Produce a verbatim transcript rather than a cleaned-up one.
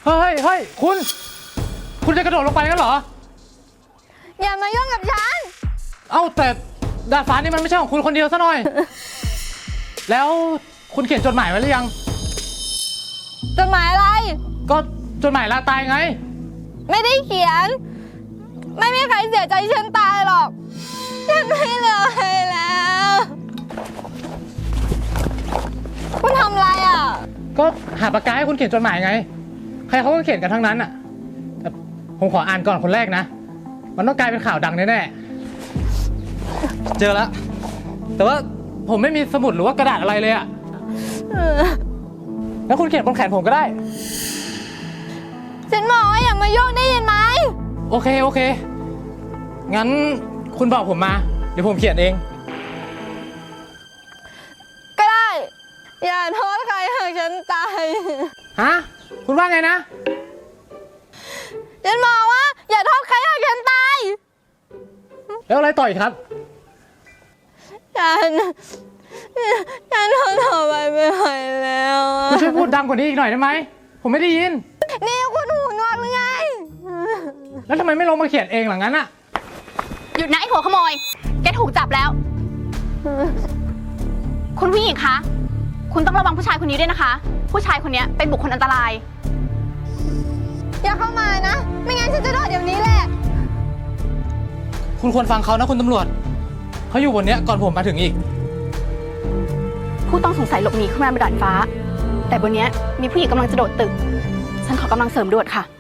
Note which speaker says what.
Speaker 1: เฮ้ยเฮ้ยคุณ คุณจะกระโดดลงไปกันเหรอ
Speaker 2: อย่ามายุ่งกับฉัน
Speaker 1: เอ้าแต่ดาดฟ้านี่มันไม่ใช่ของคุณคนเดียวซะหน่อย แล้วคุณเขียนจดหมายไว้หรือยัง
Speaker 2: จดหมายอะไร
Speaker 1: ก็จดหมายลาตายไง
Speaker 2: ไม่ได้เขียน ไม่มีใครเสียใจฉันตายหรอก ฉันไม่เหลือใครแล้ว คุณทำอะไรอ่ะ
Speaker 1: ก็หาปากกาให้คุณเขียนจดหมายไง ใครเขาก็เขียนกันทั้งนั้นอ่ะแต่ผมขออ่านก่อนคนแรกนะ มันต้องกลายเป็นข่าวดังแน่ๆเจอแล้ว แต่ว่าผมไม่มีสมุดหรือว่ากระดาษอะไรเลยอ่ะแล้วคุณเขียนบนแขนผมก็ได้
Speaker 2: ฉันบอกว่าอย่ามายุ่งได้ยินไหม
Speaker 1: โอเคโอเค งั้นคุณบอกผมมา เดี๋ยวผมเขียนเอง
Speaker 2: ก็ได้ อย่าโทษใครหากฉันตาย
Speaker 1: ฮะ คุณว่าไงนะ
Speaker 2: ฉันบอกว่าอย่าโทษใครหากฉันตาย
Speaker 1: แล้วอะไรต่ออีกครับ
Speaker 2: ฉัน ฉันทนต่อไปไม่ไหวแล้ว
Speaker 1: คุณช่วยพูดดังกว่านี้อีกหน่อยได้ไหม ผมไม่ได้ยิน
Speaker 2: นี่คุณหูหนวกหรือไง
Speaker 1: แล้วทำไมไม่ลงมาเขียนเองหลังนั้นอะ
Speaker 3: หยุดนะไอ้หัวขโมย แกถูกจับแล้ว คุณผู้หญิงคะ คุณต้องระวังผู้ชายคนนี้ด้วยนะคะ ผู้ชายคนนี้เป็นบุคคลอันตราย
Speaker 2: อย่าเข้ามานะ ไม่งั้นฉันจะโดดเดี๋ยวนี้แหละ
Speaker 1: คุณควรฟังเขานะคุณตำรวจ เขาอยู่บนเนี้ยก่อนผมมาถึงอีก
Speaker 3: ผู้ต้องสงสัยหลบหนีขึ้นมาบนดาดฟ้า แต่บนเนี้ยมีผู้หญิงกำลังจะโดดตึก ฉันขอกำลังเสริมด่วนค่ะ